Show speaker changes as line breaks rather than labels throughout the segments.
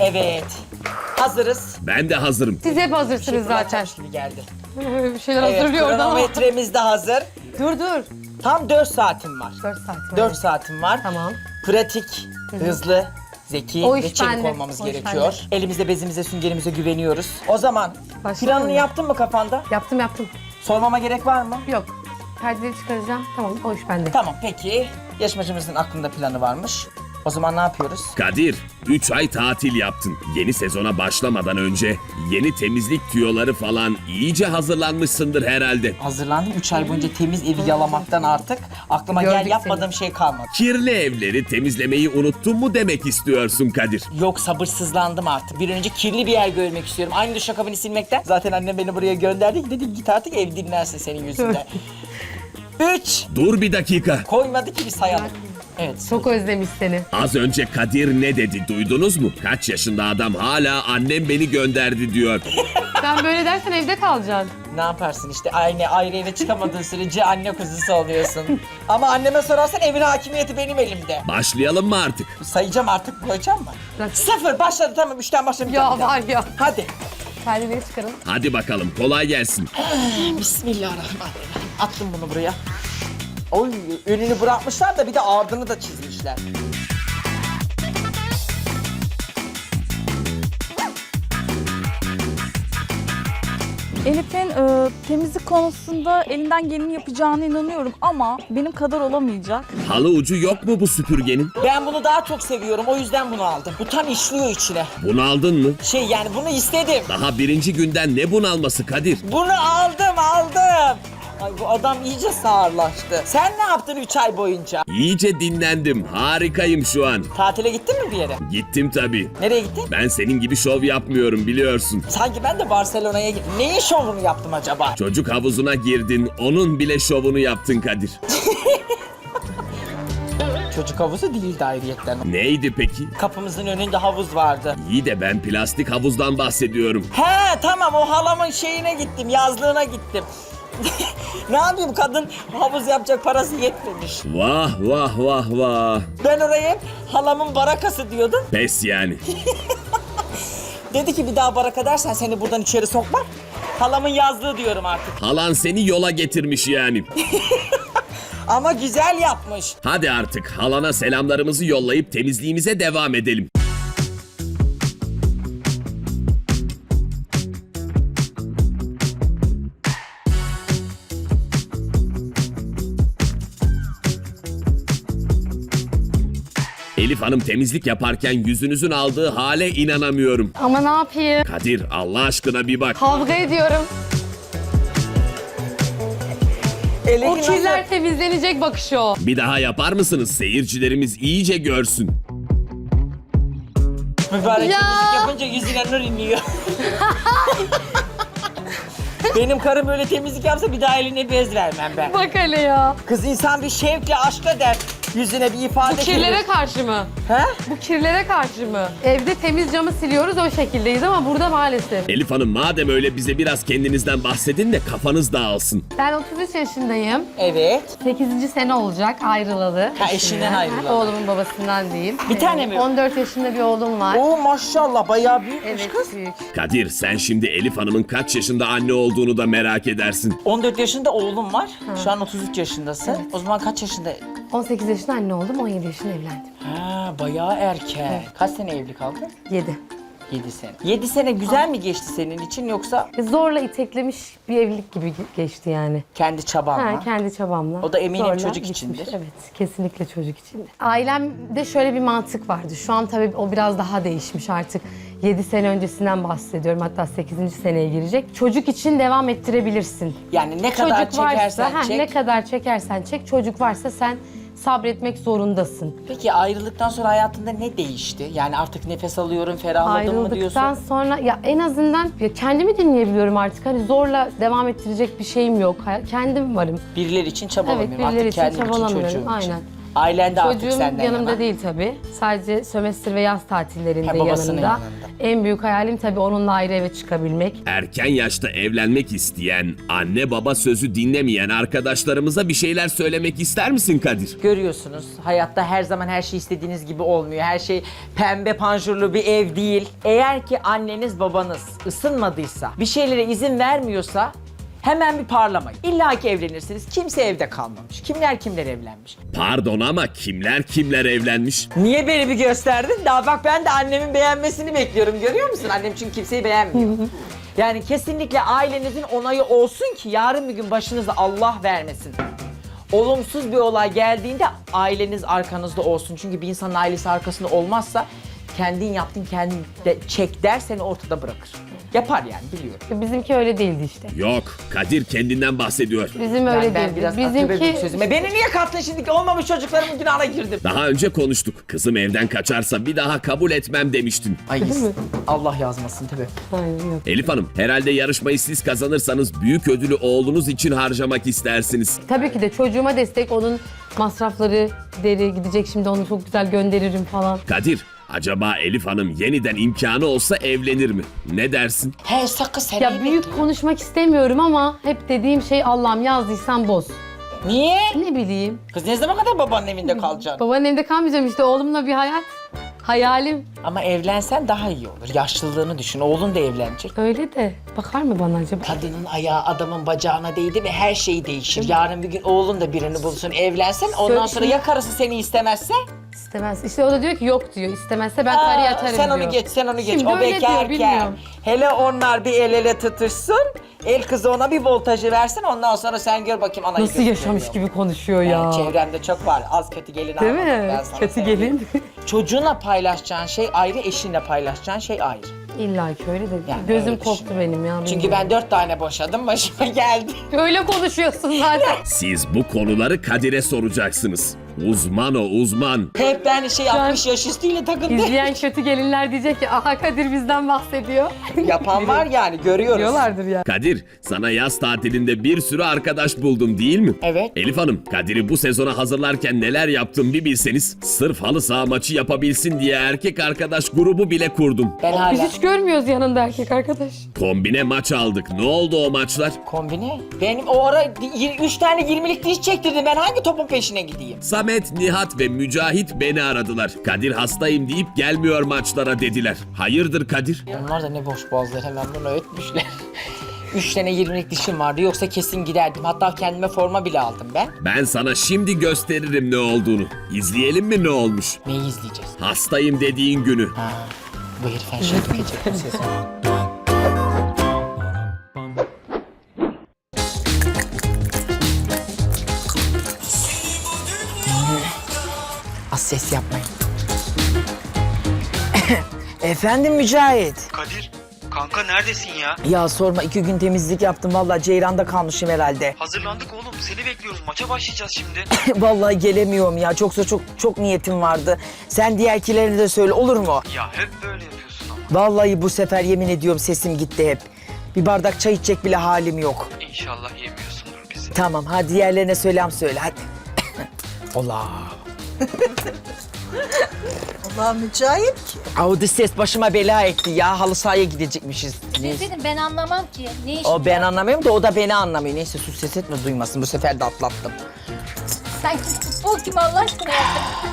Evet. Hazırız.
Ben de hazırım.
Siz hep hazırsınız zaten.
Gibi geldi.
Bir şeyler
Evet,
hazırlıyor oradan ama.
kronometremiz de hazır.
Dur.
Tam 4 saatim var.
4 saat var.
4 saatim var.
Tamam.
Pratik, hızlı, zeki
O iş
ve çevik
bende,
olmamız
o iş
gerekiyor. Elimizde, bezimize, süngerimize güveniyoruz. O zaman
Başlayalım
planını
mı?
yaptın mı kafanda?
Yaptım.
Sormama gerek var mı?
Yok. Perdeleri çıkaracağım. Tamam, o iş bende.
Tamam, peki. Yarışmacımızın aklında planı varmış. O zaman ne yapıyoruz?
Kadir, 3 ay tatil yaptın. Yeni sezona başlamadan önce yeni temizlik tüyoları falan iyice hazırlanmışsındır herhalde.
Hazırlandım. 3 ay boyunca temiz evi yalamaktan artık aklıma
Gördük
yapmadığım şey kalmadı.
Kirli evleri temizlemeyi unuttun mu demek istiyorsun Kadir?
Yok, sabırsızlandım artık. Bir an önce kirli bir yer görmek istiyorum. Aynı duşakabini silmekten. Zaten annem beni buraya gönderdi. Dedi git artık ev dinlensin senin yüzünden. 3.
Dur bir dakika.
Koymadı ki bir sayalım. Evet.
Çok özlemiş seni.
Az önce Kadir ne dedi duydunuz mu? Kaç yaşında adam hala annem beni gönderdi diyor.
Sen böyle dersen evde kalacaksın.
Ne yaparsın işte ayrı eve çıkamadığın sürece anne kuzusu oluyorsun. Ama anneme sorarsan evin hakimiyeti benim elimde.
Başlayalım mı artık?
Sayacağım artık, koyacağım mı?
Bırak.
0 başladı, tamam 3'ten başlamayacağım.
Ya
bir daha.
var ya.
Hadi.
Perdeleri çıkarın.
Hadi bakalım kolay gelsin.
Bismillahirrahmanirrahim. Attım bunu buraya. Oy, önünü bırakmışlar da bir de ardını da çizmişler.
Elif'in temizlik konusunda elinden geleni yapacağına inanıyorum ama benim kadar olamayacak.
Halı ucu yok mu bu süpürgenin?
Ben bunu daha çok seviyorum, o yüzden bunu aldım. Bu tam işliyor içine.
Bunu aldın mı?
Yani bunu istedim.
Daha birinci günden ne bunalması Kadir?
Bunu aldım. Ay, bu adam iyice sağırlaştı. Sen ne yaptın 3 ay boyunca?
İyice dinlendim. Harikayım şu an.
Tatile gittin mi bir yere?
Gittim tabii.
Nereye gittin?
Ben senin gibi şov yapmıyorum biliyorsun.
Sanki ben de Barcelona'ya gittim. Neyin şovunu yaptım acaba?
Çocuk havuzuna girdin, onun bile şovunu yaptın Kadir.
Çocuk havuzu değildi ayrıyetten.
Neydi peki?
Kapımızın önünde havuz vardı.
İyi de ben plastik havuzdan bahsediyorum.
He tamam, o halamın şeyine gittim, yazlığına gittim. Ne yapayım, kadın havuz yapacak parası yetmemiş.
Vah vah vah vah.
Ben oraya hep halamın barakası diyordum.
Pes yani.
Dedi ki bir daha baraka dersen seni buradan içeri sokmam. Halamın yazlığı diyorum artık.
Halan seni yola getirmiş yani.
Ama güzel yapmış.
Hadi artık halana selamlarımızı yollayıp temizliğimize devam edelim. Elif Hanım temizlik yaparken yüzünüzün aldığı hale inanamıyorum.
Ama ne yapayım?
Kadir Allah aşkına bir bak.
Kavga ediyorum.
Elini
O kirler
nasıl-
temizlenecek bakışı o.
Bir daha yapar mısınız? Seyircilerimiz iyice görsün.
Mübarek
Ya.
temizlik yapınca yüzüne nur iniyor. Benim karım öyle temizlik yapsa bir daha eline bez vermem ben.
Bak hele ya.
Kız insan bir şevkle, aşkla der. Yüzüne bir ifade
Kirlere karşı mı?
He?
Bu kirlere karşı mı? Evde temiz camı siliyoruz, o şekildeyiz ama burada maalesef.
Elif Hanım madem öyle bize biraz kendinizden bahsedin de kafanız dağılsın.
Ben 33 yaşındayım.
Evet.
8. sene olacak ayrılalı.
Ha, eşinden ayrılalı.
Oğlumun babasından diyeyim.
Bir tane mi?
14 yaşında bir oğlum var.
Oo maşallah, bayağı büyükmüş
Evet,
kız.
büyük.
Kadir sen şimdi Elif Hanım'ın kaç yaşında anne olduğunu da merak edersin.
14 yaşında oğlum var. Şu an 33 yaşındasın. O zaman kaç yaşında?
18 yaşında anne oldum, 17 yaşında evlendim.
Ha, bayağı erken. Kaç sene evli kaldın?
7.
7 sene. 7 sene güzel mi geçti senin için, yoksa
Zorla iteklemiş bir evlilik gibi geçti yani.
kendi çabanla?
Ha, kendi çabamla.
O da eminim
Zorla
çocuk
bitmiş.
içindir.
Evet, kesinlikle çocuk içindir. Ailemde şöyle bir mantık vardı. Şu an tabii o biraz daha değişmiş artık. 7 sene öncesinden bahsediyorum. Hatta 8. seneye girecek. Çocuk için devam ettirebilirsin.
Yani ne kadar
Çocuk
çekersen
varsa,
çek.
ne kadar çekersen çek. Çocuk varsa sen sabretmek zorundasın.
Peki ayrılıktan sonra hayatında ne değişti? Yani artık nefes alıyorum, ferahladım mı diyorsun?
Ayrıldıktan sonra ya en azından ya kendimi dinleyebiliyorum artık. Hani zorla devam ettirecek bir şeyim yok. Kendim varım.
Birileri için
Evet,
çabalamıyorum.
birileri
Artık
için
kendim için, çocuğum
çabalamıyorum.
için.
Aynen.
Ailen de artık
Çocuğum
senden
yanımda
yana.
değil tabii. Sadece sömestr ve yaz tatillerinde
Ha, babasının
yanımda.
yanında.
En büyük hayalim tabii onunla ayrı eve çıkabilmek.
Erken yaşta evlenmek isteyen, anne baba sözü dinlemeyen arkadaşlarımıza bir şeyler söylemek ister misin Kadir?
Görüyorsunuz hayatta her zaman her şey istediğiniz gibi olmuyor. Her şey pembe panjurlu bir ev değil. Eğer ki anneniz babanız ısınmadıysa, bir şeylere izin vermiyorsa hemen bir parlamayın. İlla ki evlenirsiniz. Kimse evde kalmamış. Kimler kimler evlenmiş.
Pardon ama kimler kimler evlenmiş?
Niye beni bir gösterdin? Daha bak ben de annemin beğenmesini bekliyorum. Görüyor musun? Annem çünkü kimseyi beğenmiyor. Yani kesinlikle ailenizin onayı olsun ki yarın bir gün başınıza Allah vermesin. Olumsuz bir olay geldiğinde aileniz arkanızda olsun. Çünkü bir insanın ailesi arkasında olmazsa kendin yaptın kendin de çek der seni ortada bırakır. Yapar yani biliyorum.
Bizimki öyle değildi işte.
Yok, Kadir kendinden bahsediyor.
Bizim öyle
Ben
değildi.
biraz akıbet
Bizimki
sözüme. Beni niye kattın şimdi? Olmamış çocuklarımın günahına girdim.
Daha önce konuştuk. Kızım evden kaçarsa bir daha kabul etmem demiştin.
Ay Allah yazmasın tabii.
Aynen, yok.
Elif Hanım, herhalde yarışmayı siz kazanırsanız büyük ödülü oğlunuz için harcamak istersiniz.
Tabii ki de çocuğuma destek, onun masrafları deri gidecek, şimdi onu çok güzel gönderirim falan.
Kadir, acaba Elif Hanım yeniden imkanı olsa evlenir mi? Ne dersin?
He sakın sen
Ya büyük konuşmak istemiyorum ama hep dediğim şey Allah'ım yazdıysan boz.
Niye?
Ne bileyim.
Kız ne zaman kadar babanın evinde kalacaksın?
Babanın evinde kalmayacağım işte, oğlumla bir hayat. Hayalim.
Ama evlensen daha iyi olur. Yaşlılığını düşün. Oğlun da evlenecek.
Öyle de bakar mı bana acaba?
Kadının ayağı adamın bacağına değdi ve her şey değişir. Yarın bir gün oğlun da birini bulsun, evlensen ondan sonra ya karısı seni istemezse?
İstemez. İşte o da diyor ki yok diyor. İstemezse ben tarihe atarım
sen
diyor.
onu geç, sen onu geç.
Şimdi
O
öyle diyor,
bekarken.
bilmiyorum.
Hele onlar bir el ele tutuşsun. El kızı ona bir voltajı versin. Ondan sonra sen gör bakayım anayı
Nasıl yaşamış gibi konuşuyor ya.
Yani çevremde çok var. Az kötü gelin
Değil
almadım,
mi?
ben sana
Kötü
söyleyeyim.
gelin.
Çocuğunla paylaşacağın şey ayrı, eşinle paylaşacağın şey ayrı.
İlla ki öyle de.
Yani
Gözüm
öyle
korktu
düşünüyorum.
benim ya.
Çünkü
bilmiyorum.
ben 4 tane boşadım, başıma geldi.
Öyle konuşuyorsun zaten.
Siz bu konuları Kadir'e soracaksınız. Uzman o, uzman.
Hep ben 60 yaş üstüyle takıldım.
İzleyen kötü gelinler diyecek ki aha Kadir bizden bahsediyor.
Yapan var yani, görüyoruz.
Diyorlardır ya.
Kadir, sana yaz tatilinde bir sürü arkadaş buldum değil mi?
Evet.
Elif Hanım, Kadir'i bu sezona hazırlarken neler yaptım bir bilseniz. Sırf halı saha maçı yapabilsin diye erkek arkadaş grubu bile kurdum.
Ben
Biz
hala
hiç görmüyoruz yanında erkek arkadaş.
Kombine maç aldık. Ne oldu o maçlar?
kombine. Benim o ara 3 tane 20'lik diş çektirdim. Ben hangi topun peşine gideyim?
Samet, Nihat ve Mücahit beni aradılar. Kadir hastayım deyip gelmiyor maçlara dediler. Hayırdır Kadir?
Onlar da ne boş boğazlar, hemen bunu ötmüşler. 3 tane 20'lik dişim vardı, yoksa kesin giderdim. Hatta kendime forma bile aldım ben.
Ben sana şimdi gösteririm ne olduğunu. İzleyelim mi ne olmuş?
Neyi izleyeceğiz?
Hastayım dediğin günü.
Ha, bu herif her şeyi dökecek bu sezon. Az ses yapmayın. Efendim Mücahit.
Kadir, kanka neredesin ya?
Ya sorma, 2 gün temizlik yaptım. Vallahi ceyranda kalmışım herhalde.
Hazırlandık oğlum, seni bekliyoruz. Maça başlayacağız şimdi.
Vallahi gelemiyorum ya. Çok niyetim vardı. Sen diğerkilerine de söyle, olur mu?
Ya hep böyle yapıyorsun ama.
Vallahi bu sefer yemin ediyorum sesim gitti hep. Bir bardak çay içecek bile halim yok.
İnşallah yemiyorsundur bizi.
Tamam, hadi diğerlerine söyle hadi. Allah.
Allah mücahit ki.
Audi ses başıma bela etti ya. Halı sahaya gidecekmişiz.
Dedim ben anlamam ki. Ne iş?
O ben anlamıyorum da o da beni anlamıyor. Neyse sus, ses etme, duymasın. Bu sefer de atlattım.
Sen futbol kim Allah aşkına yaptın?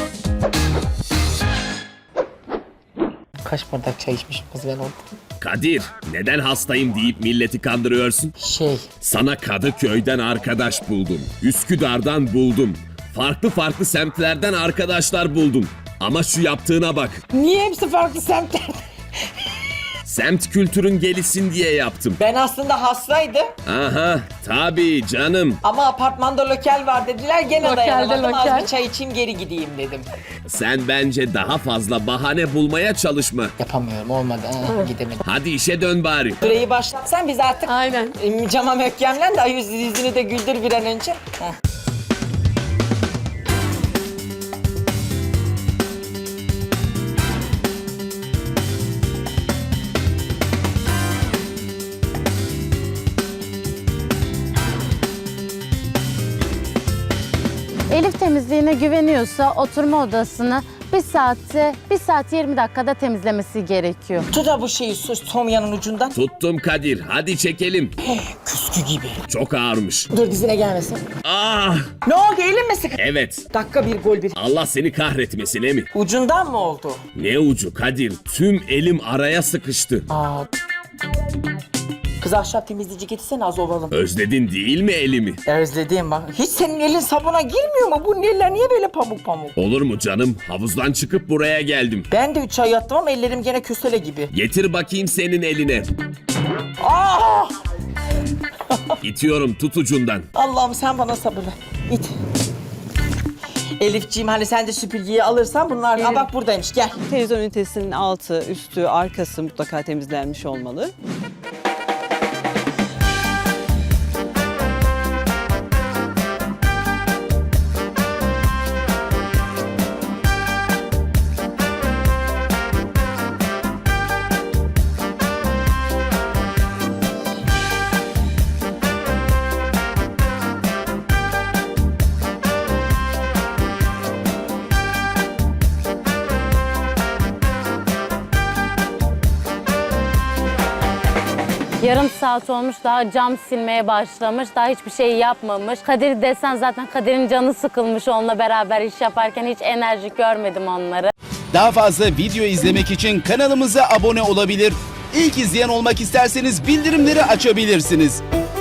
Kaç bardak çay içmişim kız ben orada.
Kadir, neden hastayım deyip milleti kandırıyorsun? Sana Kadıköy'den arkadaş buldum. Üsküdar'dan buldum. Farklı semtlerden arkadaşlar buldum. Ama şu yaptığına bak.
Niye hepsi farklı semtler?
Semt kültürün gelişsin diye yaptım.
Ben aslında hastaydım
Aha, tabii canım.
ama apartmanda lokal var dediler. Gene
Lokalde
dayanamadım. Az
lokal.
bir çay içeyim geri gideyim dedim.
Sen bence daha fazla bahane bulmaya çalışma.
Yapamıyorum, olmadı. Gidemedim.
Hadi işe dön bari.
Süreyi başlatsan biz artık
Aynen.
cama mökkemlen de yüzünü de güldür bir an önce. Heh.
Elif de temizliğine güveniyorsa oturma odasını 1 saat 20 dakikada temizlemesi gerekiyor.
Tut da bu şeyi Somya'nın ucundan.
Tuttum Kadir, hadi çekelim.
Küskü gibi.
Çok ağırmış.
Dur dizine gelmesin.
Ah!
Ne oldu, elin mi sıkı?
Evet.
Dakika bir gol bir.
Allah seni kahretmesin mi?
Ucundan mı oldu?
Ne ucu Kadir? Tüm elim araya sıkıştı.
Aa. Kız ahşap temizleyici getirsene az ovalım.
Özledin değil mi elimi?
Özledim bak. Hiç senin elin sabuna girmiyor mu? Bu neler niye böyle pamuk pamuk?
Olur mu canım? Havuzdan çıkıp buraya geldim.
Ben de 3 ay yattım ama ellerim gene kösele gibi.
Getir bakayım senin eline.
Ah!
İtiyorum, tut ucundan.
Allah'ım sen bana sabır ver. İt. Elifciğim hani sen de süpürgeyi alırsan bunlar... Aa bak buradaymış gel.
Televizyon ünitesinin altı, üstü, arkası mutlaka temizlenmiş olmalı.
Yarım saat olmuş, daha cam silmeye başlamış, daha hiçbir şey yapmamış. Kadir desen zaten Kadir'in canı sıkılmış onunla beraber iş yaparken, hiç enerji görmedim onları.
Daha fazla video izlemek için kanalımıza abone olabilir. İlk izleyen olmak isterseniz bildirimleri açabilirsiniz.